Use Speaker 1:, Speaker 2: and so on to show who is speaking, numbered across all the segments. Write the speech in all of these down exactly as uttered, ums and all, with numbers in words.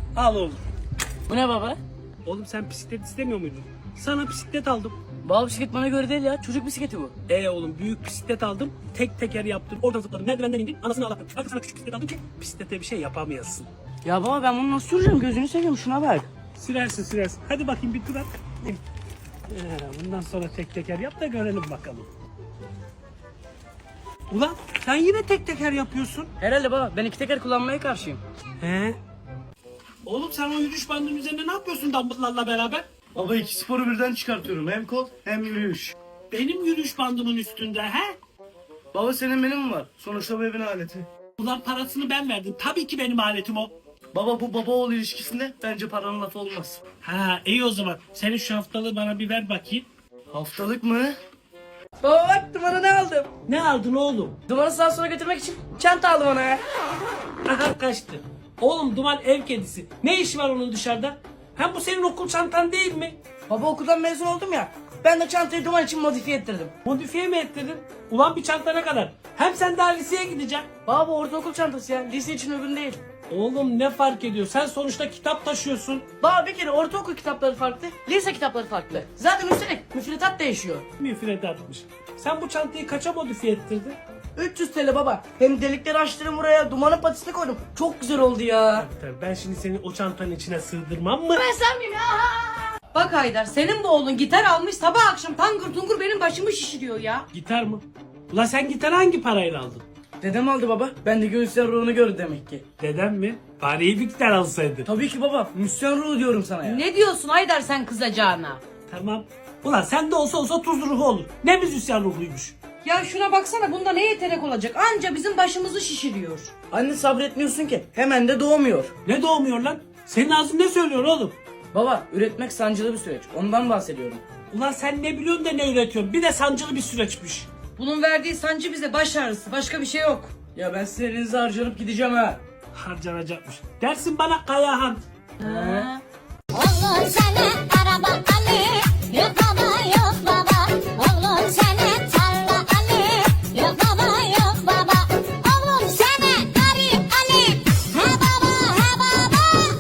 Speaker 1: Al oğlum.
Speaker 2: Bu ne baba?
Speaker 1: Oğlum sen bisiklet istemiyor muydun? Sana bisiklet aldım.
Speaker 2: Baba bisiklet bana göre değil ya. Çocuk bisikleti bu.
Speaker 1: Ee oğlum büyük bisiklet aldım. Tek teker yaptım. Oradan zıpladım. Merdivenden indim. Anasını ağlattım. Arkasına küçük bisiklet aldım ki bisiklete bir şey yapamayasın.
Speaker 2: Ya baba ben bunu nasıl süreceğim? Gözünü seveyim şuna bak.
Speaker 1: Sürersin sürersin. Hadi bakayım bir tur at. Ee, bundan sonra tek teker yap da görelim bakalım. Ulan sen yine tek teker yapıyorsun.
Speaker 2: Herhalde baba ben iki teker kullanmaya karşıyım.
Speaker 1: He? Oğlum sen o yürüyüş bandının üzerinde ne yapıyorsun dumbbell'larla beraber?
Speaker 3: Baba iki sporu birden çıkartıyorum. Hem kol hem yürüyüş.
Speaker 1: Benim yürüyüş bandımın üstünde he?
Speaker 3: Baba senin benim mi var? Sonuçta bu evin aleti.
Speaker 1: Ulan parasını ben verdim. Tabii ki benim aletim o.
Speaker 3: Baba bu baba oğul ilişkisinde bence paranın lafı olmaz.
Speaker 1: Ha iyi o zaman. Senin şu haftalığı bana bir ver bakayım.
Speaker 3: Haftalık mı?
Speaker 2: Baba bak dumana ne aldım?
Speaker 1: Ne aldın oğlum?
Speaker 2: Dumanı sağa sola götürmek için çanta aldım ona ya.
Speaker 1: Aha kaçtı. Oğlum Duman ev kedisi. Ne işi var onun dışarıda? Hem bu senin okul çantan değil mi?
Speaker 2: Baba okuldan mezun oldum ya. Ben de çantayı duman için modifiye ettirdim.
Speaker 1: Modifiye mi ettirdin? Ulan bir çanta ne kadar? Hem sen daha liseye gideceksin.
Speaker 2: Baba bu ortaokul çantası ya. Lise için uygun değil.
Speaker 1: Oğlum ne fark ediyor? Sen sonuçta kitap taşıyorsun.
Speaker 2: Baba bir kere ortaokul kitapları farklı, lise kitapları farklı. Zaten üstelik müfredat değişiyor.
Speaker 1: Müfredatmış. Sen bu çantayı kaça modifiye ettirdin?
Speaker 2: üç yüz T L baba. Hem delikleri açtırdım buraya, dumanın patisini koydum. Çok güzel oldu ya.
Speaker 1: Tabii ben şimdi seni o çantanın içine sığdırmam mı?
Speaker 2: Ben sen miyim ya?
Speaker 4: Bak Haydar senin bu oğlun gitar almış sabah akşam tangır tungur benim başımı şişiriyor ya.
Speaker 1: Gitar mı? Ulan sen gitarı hangi parayla aldın?
Speaker 2: Dedem aldı baba. Ben de göğüsler ruhunu gördü demek ki.
Speaker 1: Dedem mi? Bari iyi bir gitar alsaydı.
Speaker 2: Tabii ki baba. Müslüman ruhu diyorum sana ya.
Speaker 4: Ne diyorsun Haydar sen kızacağına?
Speaker 1: Tamam. Ulan sen de olsa olsa tuz ruhu olur. Ne müzisyen ruhuymuş.
Speaker 4: Ya şuna baksana bunda ne yetenek olacak anca bizim başımızı şişiriyor.
Speaker 2: Anne sabretmiyorsun ki. Hemen de doğmuyor.
Speaker 1: Ne doğmuyor lan? Senin ağzın ne söylüyor oğlum?
Speaker 2: Baba üretmek sancılı bir süreç. Ondan bahsediyorum.
Speaker 1: Ulan sen ne biliyorsun da ne üretiyorsun? Bir de sancılı bir süreçmiş.
Speaker 4: Bunun verdiği sancı bize baş ağrısı başka bir şey yok.
Speaker 2: Ya ben sizin elinize harcanıp gideceğim ha.
Speaker 1: Harcanacakmış. Dersin bana Kayahan.
Speaker 4: Ha.
Speaker 5: Oğlum sana araba Ali, yok baba yok baba. Oğlum sana tarla Ali, yok baba yok baba. Oğlum sana garip Ali, he baba he baba.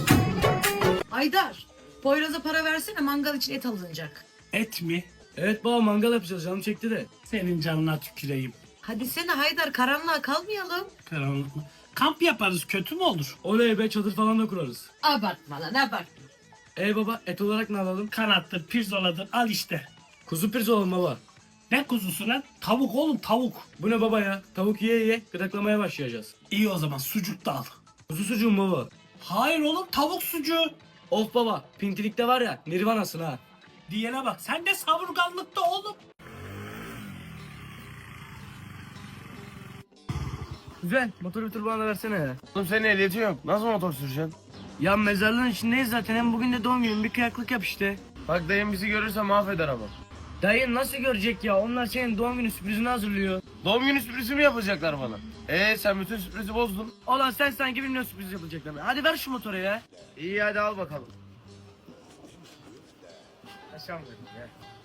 Speaker 4: Haydar Poyraz'a para versene mangal için et alınacak.
Speaker 1: Et mi?
Speaker 3: Evet baba mangal yapacağız. Canım çekti de.
Speaker 1: Senin canına tüküreyim.
Speaker 4: Hadi sene Haydar karanlığa kalmayalım.
Speaker 1: Karanlık mı? Kamp yaparız, kötü mü olur?
Speaker 3: Oley be, çadır falan da kurarız.
Speaker 4: Abartma lan abartma.
Speaker 3: Ey baba, et olarak ne alalım?
Speaker 1: Kanattır, pirzoladır, al işte.
Speaker 3: Kuzu pirzola baba.
Speaker 1: Ne kuzusu lan? Tavuk oğlum, tavuk.
Speaker 3: Bu ne baba ya? Tavuk yiye yiye gıdaklamaya başlayacağız.
Speaker 1: İyi o zaman, sucuk da al.
Speaker 3: Kuzu sucuğu mu baba?
Speaker 1: Hayır oğlum, tavuk sucuğu.
Speaker 3: Of baba, pintilikte var ya, nirvanasın ha.
Speaker 1: Diyene bak, sen de savurganlıkta oğlum.
Speaker 3: Güzel, motoru bir tur bana da versene ya.
Speaker 6: Oğlum senin ehliyetin yok. Nasıl motor süreceksin?
Speaker 3: Ya mezarlığın içindeyiz zaten, hem bugün de doğum günüm, bir kıyaklık yap işte.
Speaker 6: Bak dayım bizi görürse mahveder ama.
Speaker 3: Dayın nasıl görecek ya? Onlar senin doğum günü sürprizini hazırlıyor.
Speaker 6: Doğum günü sürprizi mi yapacaklar bana? Ee sen bütün sürprizi bozdun.
Speaker 3: Ulan sen sanki bilmiyorsun sürpriz yapılacaklar. Hadi ver şu motoru ya.
Speaker 6: İyi hadi al bakalım. Aşağı mı ya?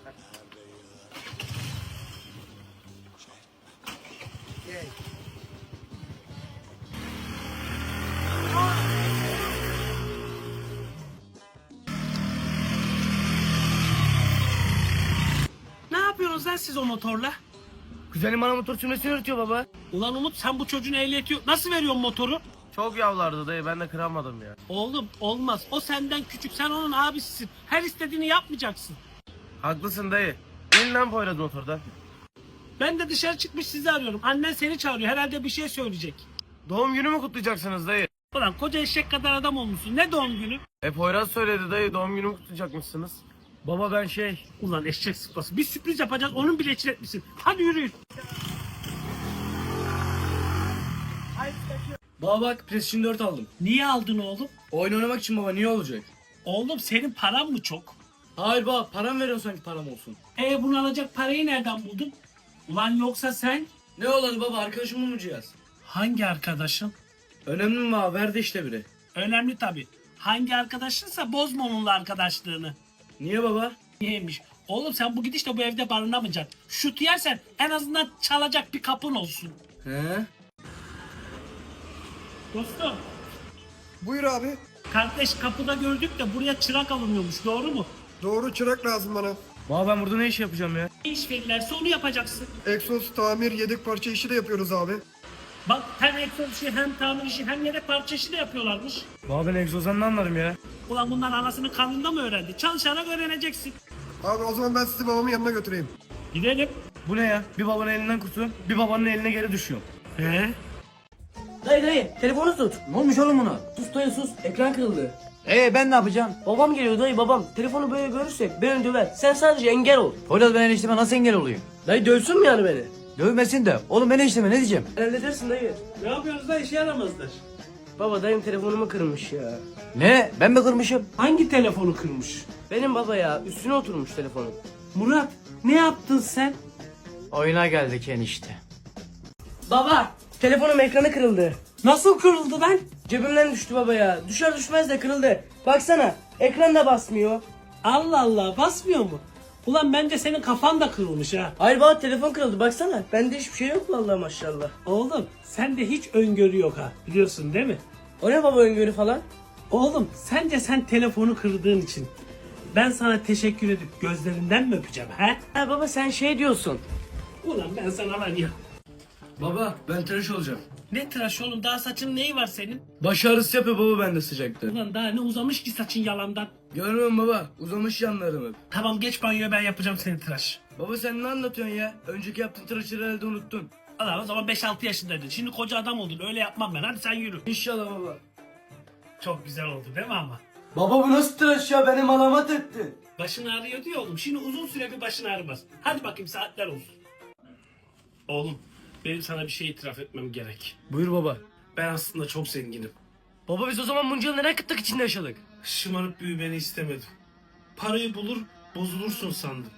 Speaker 1: Ne yapıyorsunuz lan siz o motorla?
Speaker 3: Kuzenim bana motor sürmesini öğretiyor baba.
Speaker 1: Ulan Umut, sen bu çocuğun ehliyeti yok. Nasıl veriyorsun motoru?
Speaker 6: Çok yavlardı dayı, ben de kıramadım ya.
Speaker 1: Oğlum olmaz. O senden küçük. Sen onun abisisin. Her istediğini yapmayacaksın.
Speaker 6: Haklısın dayı. İn lan Poyraz motordan.
Speaker 1: Ben de dışarı çıkmış sizi arıyorum. Annen seni çağırıyor. Herhalde bir şey söyleyecek.
Speaker 6: Doğum günü mü kutlayacaksınız dayı?
Speaker 1: Ulan koca eşek kadar adam olmuşsun. Ne doğum günü?
Speaker 6: E Poyraz söyledi dayı, doğum günü mü kutlayacakmışsınız?
Speaker 3: Baba ben şey...
Speaker 1: Ulan eşek sıpası. Bir sürpriz yapacağız. Onun bile için etmişsin. Hadi yürüyün.
Speaker 3: Baba bak, PlayStation dört aldım.
Speaker 1: Niye aldın oğlum?
Speaker 3: Oyun oynamak için baba, niye olacak?
Speaker 1: Oğlum senin paran mı çok?
Speaker 3: Hayır baba, param veriyorsun sanki param olsun.
Speaker 1: E bunu alacak parayı nereden buldun? Ulan yoksa sen
Speaker 3: Ne olanı baba, arkadaşımı mı cihaz?
Speaker 1: hangi arkadaşın?
Speaker 3: Önemli mi baba, verdi işte biri.
Speaker 1: Önemli tabii. Hangi arkadaşınsa bozma onunla arkadaşlığını.
Speaker 3: Niye baba?
Speaker 1: Niyeymiş? Oğlum sen bu gidişle bu evde barınamayacaksın. Şut yersen en azından çalacak bir kapın olsun.
Speaker 3: He?
Speaker 1: Dostum
Speaker 7: Buyur abi.
Speaker 1: Kardeş kapıda gördük de buraya çırak alınıyormuş, doğru mu?
Speaker 7: Doğru, çırak lazım bana.
Speaker 3: Baba ben burada ne iş yapacağım ya?
Speaker 1: Ne iş verirlerse onu yapacaksın.
Speaker 7: Egzoz, tamir, yedek parça işi de yapıyoruz abi.
Speaker 1: Bak hem egzoz işi hem tamir işi hem yedek parça işi de yapıyorlarmış.
Speaker 3: Baba ben egzozdan ne anlarım ya?
Speaker 1: Ulan bunlar anasının karnında mı öğrendi? Çalışarak öğreneceksin.
Speaker 7: Abi o zaman ben sizi babamın yanına götüreyim.
Speaker 1: Gidelim.
Speaker 3: Bu ne ya? Bir babanın elinden kurtuluyorum, bir babanın eline geri düşüyorum.
Speaker 1: He?
Speaker 2: Dayı dayı telefonu tut. Ne olmuş oğlum buna? Sus dayı sus, ekran kırıldı.
Speaker 8: Ee ben ne yapacağım?
Speaker 2: Babam geliyor dayı babam. Telefonu böyle görürse beni döver. Sen sadece engel ol.
Speaker 8: Poyraz ben enişteme nasıl engel olayım?
Speaker 2: Dayı dövsün mü yani beni?
Speaker 8: Dövmesin de. Oğlum ben enişteme ne diyeceğim?
Speaker 2: Halledersin dayı.
Speaker 1: Ne yapıyoruz da işe yaramazlar.
Speaker 2: Baba dayım telefonumu kırmış ya.
Speaker 8: Ne? Ben mi kırmışım?
Speaker 1: Hangi telefonu kırmış?
Speaker 2: Benim baba ya üstüne oturmuş telefonum.
Speaker 1: Murat ne yaptın sen?
Speaker 8: Oyuna geldik enişte.
Speaker 2: Baba telefonum ekranı kırıldı.
Speaker 1: Nasıl kırıldı lan?
Speaker 2: Cebimden düştü baba ya. Düşer düşmez de kırıldı. Baksana ekran da basmıyor.
Speaker 1: Allah Allah basmıyor mu? Ulan bence senin kafan da kırılmış ha.
Speaker 2: Hayır baba telefon kırıldı baksana. Bende hiçbir şey yok vallahi maşallah.
Speaker 1: Oğlum sende hiç öngörü yok ha. Biliyorsun değil mi?
Speaker 2: O ne baba öngörü falan?
Speaker 1: Oğlum sence sen telefonu kırdığın için ben sana teşekkür edip gözlerinden mi öpeceğim ha?
Speaker 2: Ha baba sen şey diyorsun.
Speaker 1: Ulan ben sana var ya.
Speaker 3: Baba ben tıraş olacağım.
Speaker 1: Ne tıraş oğlum, daha saçın neyi var senin?
Speaker 3: Baş ağrısı yapıyor baba bende sıcakta.
Speaker 1: Ulan daha ne uzamış ki saçın yalandan.
Speaker 3: Görmüyor musun baba? Uzamış yanlarım hep.
Speaker 1: Tamam geç banyoya, ben yapacağım senin tıraş.
Speaker 3: Baba sen ne anlatıyorsun ya? Önceki yaptığın tıraşı herhalde unuttun.
Speaker 1: Ulan o zaman beş altı yaşındaydın. Şimdi koca adam oldun, öyle yapmam ben. Hadi sen yürü.
Speaker 3: İnşallah baba.
Speaker 1: Çok güzel oldu değil mi ama?
Speaker 8: Baba bu nasıl tıraş ya? Benim alamat etti.
Speaker 1: Başın ağrıyor diyor oğlum. Şimdi uzun süre bir başın ağrımaz. Hadi bakayım, saatler olsun. Oğlum benim sana bir şey itiraf etmem gerek.
Speaker 3: Buyur baba.
Speaker 1: Ben aslında çok zenginim.
Speaker 3: Baba biz o zaman bunca yıl neden kıtlık içinde yaşadık?
Speaker 1: Şımarıp büyümeni istemedim. Parayı bulur bozulursun sandım.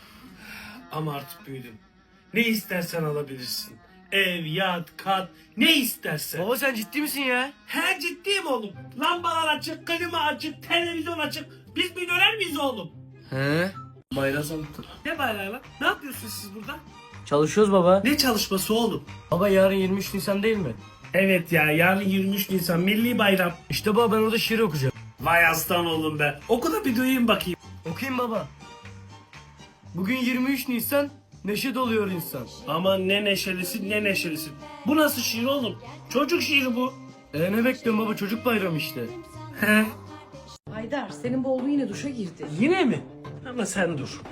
Speaker 1: Ama artık büyüdüm. Ne istersen alabilirsin. Ev, yat, kat, ne istersen.
Speaker 3: Baba sen ciddi misin ya?
Speaker 1: He ciddiyim oğlum. Lambalar açık, klima açık, televizyon açık. Biz milyoner miyiz oğlum?
Speaker 3: He? Bayrağı sandım.
Speaker 1: Ne bayrağı lan? Ne yapıyorsunuz siz burada?
Speaker 2: Çalışıyoruz baba.
Speaker 1: Ne çalışması oğlum?
Speaker 3: Baba yarın yirmi üç Nisan değil mi?
Speaker 1: Evet ya, yarın yirmi üç Nisan milli bayram.
Speaker 3: İşte baba ben orada şiir okuyacağım.
Speaker 1: Vay aslan oğlum be. Oku da bir duyayım bakayım.
Speaker 3: Okuyayım baba. Bugün yirmi üç Nisan, neşe doluyor insan.
Speaker 1: Aman ne neşelisin ne neşelisin. Bu nasıl şiir oğlum? Çocuk şiiri bu.
Speaker 3: E ne bekliyorsun baba, çocuk bayramı işte.
Speaker 1: He.
Speaker 4: Haydar senin bu oğlun yine duşa girdi.
Speaker 1: Yine mi? Ama sen dur.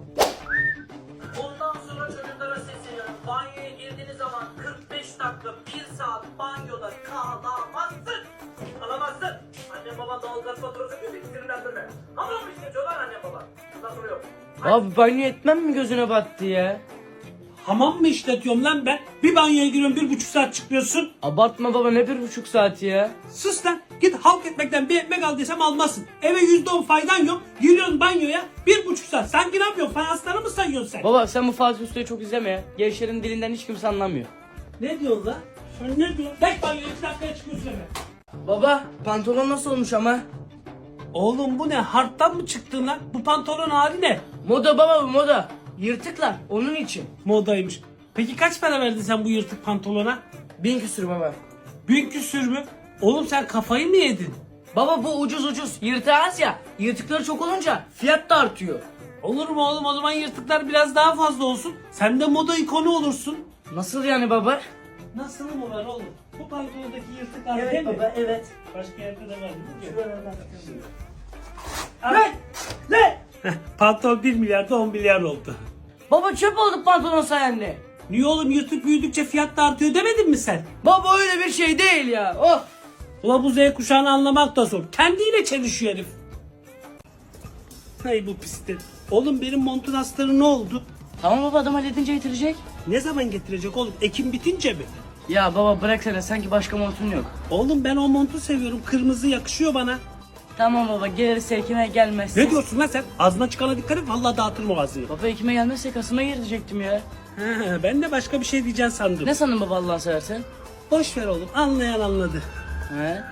Speaker 2: Ondan sonra çocuklara sesleniyorum. Banyoya girdiğiniz zaman kırk beş dakika bir saat banyoda kalamazsın. Kalamazsın. Anne baba doğalgaz faturası gibi sinirlendirme. Hamur mu işletiyorlar anne baba? Bundan sonra yok. Abi banyo etmem mi gözüne battı ya?
Speaker 1: Hamam mı işletiyorum lan ben? Bir banyoya giriyorum, bir buçuk saat çıkmıyorsun.
Speaker 2: Abartma baba ne bir buçuk saat ya?
Speaker 1: Sus lan. Git halk ekmekten bir ekmek aldıysam almazsın. Eve yüzde on faydan yok. Giriyorsun banyoya bir buçuk saat. Sanki ne yapıyorsun? Fayansları mı sayıyorsun sen?
Speaker 2: Baba sen bu Fatih Usta'yı çok izleme ya. Gençlerin dilinden hiç kimse anlamıyor.
Speaker 1: Ne diyorsun lan? Sen ne diyorsun? Geç banyoya, iki dakikaya çıkıyorsun eve.
Speaker 2: Baba pantolon nasıl olmuş ama?
Speaker 1: Oğlum bu ne? Harptan mı çıktın lan? Bu pantolon hali ne?
Speaker 2: Moda baba bu moda. Yırtıklar onun için.
Speaker 1: Modaymış. Peki kaç para verdin sen bu yırtık pantolona?
Speaker 2: Bin küsür baba.
Speaker 1: Bin küsür mü? Oğlum sen kafayı mı yedin?
Speaker 2: Baba bu ucuz ucuz. Yırtığı az ya. Yırtıkları çok olunca fiyat da artıyor.
Speaker 1: Olur mu oğlum? O zaman yırtıklar biraz daha fazla olsun. Sen de moda ikonu olursun.
Speaker 2: Nasıl yani baba?
Speaker 1: Nasıl mı var oğlum? Bu pantolondaki yırtıklar değil mi?
Speaker 2: evet.
Speaker 1: Başka yerde de var değil mi?
Speaker 2: Ne? Ne?
Speaker 1: Pantolon bir milyarda on milyar oldu.
Speaker 2: Baba çöp oldu pantolon sayende.
Speaker 1: Niye oğlum, yırtık büyüdükçe fiyat da artıyor demedin mi sen?
Speaker 2: Baba öyle bir şey değil ya. Of.
Speaker 1: Ula bu Z kuşağını anlamak da zor. Kendiyle çelişiyor herif. Hay bu pislik. Oğlum benim montun astarı ne oldu?
Speaker 2: Tamam baba adam halledince getirecek.
Speaker 1: Ne zaman getirecek oğlum? Ekim bitince mi?
Speaker 2: Ya baba bıraksana sanki başka montun yok.
Speaker 1: Oğlum ben o montu seviyorum. Kırmızı yakışıyor bana.
Speaker 2: Tamam baba gelirse Ekim'e gelmezse.
Speaker 1: Ne diyorsun lan sen? Ağzına çıkana dikkat et. Vallahi dağıtırım o ağzını.
Speaker 2: Baba Ekim'e gelmezse Kasım'a girecektim ya.
Speaker 1: Ha, ben de başka bir şey diyeceğim sandım.
Speaker 2: Ne sandın baba Allah'ını seversen?
Speaker 1: Boş ver oğlum. Anlayan anladı.
Speaker 2: He?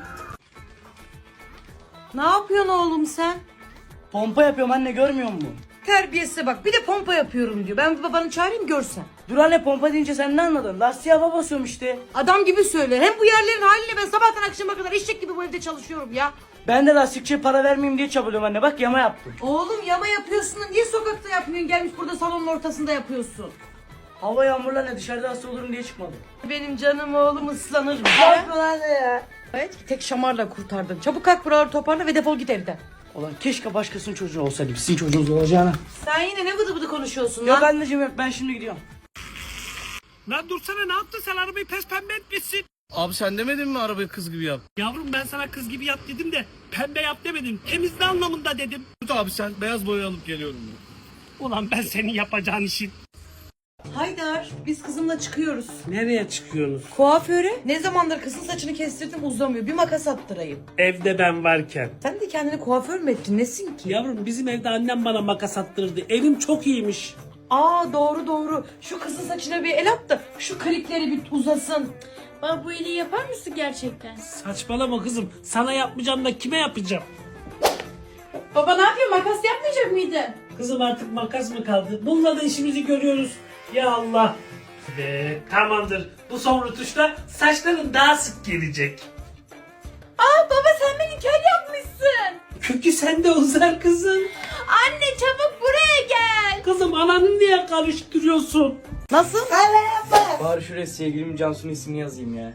Speaker 4: Ne yapıyorsun oğlum sen?
Speaker 2: Pompa yapıyorum anne görmüyor musun?
Speaker 4: Terbiyesize bak, bir de pompa yapıyorum diyor. Ben bir babanı çağırayım görsen.
Speaker 3: Dur anne pompa deyince sen ne anladın? Lastiğe hava basıyorum işte.
Speaker 4: Adam gibi söyle. Hem bu yerlerin haliyle ben sabahtan akşama kadar eşek gibi bu evde çalışıyorum ya.
Speaker 3: Ben de lastikçiye para vermeyeyim diye çabalıyorum anne. Bak yama yaptım.
Speaker 4: Oğlum yama yapıyorsun da niye sokakta yapmıyorsun? Gelmiş burada salonun ortasında yapıyorsun.
Speaker 3: Hava yağmurla ne dışarıda hasta olurum diye çıkmadım.
Speaker 4: Benim canım oğlum ıslanır.
Speaker 3: Yapma anne ya.
Speaker 4: Evet, tek şamarla kurtardın. Çabuk kalk buraları toparla ve defol git evden.
Speaker 3: Ulan keşke başkasının çocuğu olsaydı. Sizin çocuğunuz olacağına.
Speaker 4: Sen yine ne vıdı vıdı konuşuyorsun
Speaker 3: Yok
Speaker 4: lan?
Speaker 3: anneciğim yok ben şimdi gidiyorum.
Speaker 1: Lan dursana, ne yaptın sen, arabayı pes pembe etmişsin.
Speaker 6: Abi sen demedin mi arabayı kız gibi yap?
Speaker 1: Yavrum ben sana kız gibi yap dedim de pembe yap demedim. Temizle anlamında dedim.
Speaker 6: Tut abi sen beyaz boya alıp geliyorum ben.
Speaker 1: Ulan ben senin yapacağın işin.
Speaker 4: Haydar, biz kızımla çıkıyoruz.
Speaker 1: Nereye çıkıyorsunuz?
Speaker 4: Kuaföre. Ne zamandır kızın saçını kestirdim uzamıyor. Bir makas attırayım.
Speaker 1: Evde ben varken.
Speaker 4: Sen de kendini kuaför mü ettin? Nesin ki?
Speaker 1: Yavrum bizim evde annem bana makas attırdı. Evim çok iyiymiş.
Speaker 4: Aa doğru doğru. Şu kızın saçına bir el at da şu klikleri bir uzasın.
Speaker 9: Baba bu iyiliği yapar mısın gerçekten?
Speaker 1: Saçmalama kızım. Sana yapmayacağım da kime yapacağım?
Speaker 9: Baba ne yapıyor? Makas yapmayacak mıydın?
Speaker 1: Kızım artık makas mı kaldı? Bununla da işimizi görüyoruz. Ya Allah. Ve tamamdır. Bu son rutuşta saçların daha sık gelecek.
Speaker 9: Aa baba sen beni kel yapmışsın.
Speaker 1: Kökü sende uzar kızım.
Speaker 9: Anne çabuk buraya gel.
Speaker 1: Kızım ananı niye karıştırıyorsun?
Speaker 4: Nasıl?
Speaker 3: Bari şuraya sevgilim Cansu'nun ismini yazayım ya.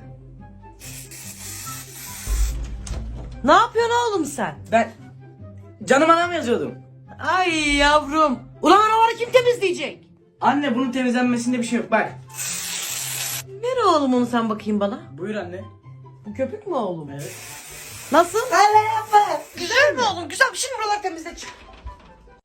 Speaker 4: Ne yapıyorsun oğlum sen?
Speaker 3: Ben canım anam yazıyordum.
Speaker 4: Ay yavrum. Ulan araları kim temizleyecek?
Speaker 3: Anne bunun temizlenmesinde bir şey yok bak.
Speaker 4: Ver oğlum onu sen bakayım bana.
Speaker 3: Buyur anne.
Speaker 4: Bu köpük mü oğlum?
Speaker 3: Evet.
Speaker 4: Nasıl? Güzel mi oğlum? Güzel. Şimdi buraları temizle çık.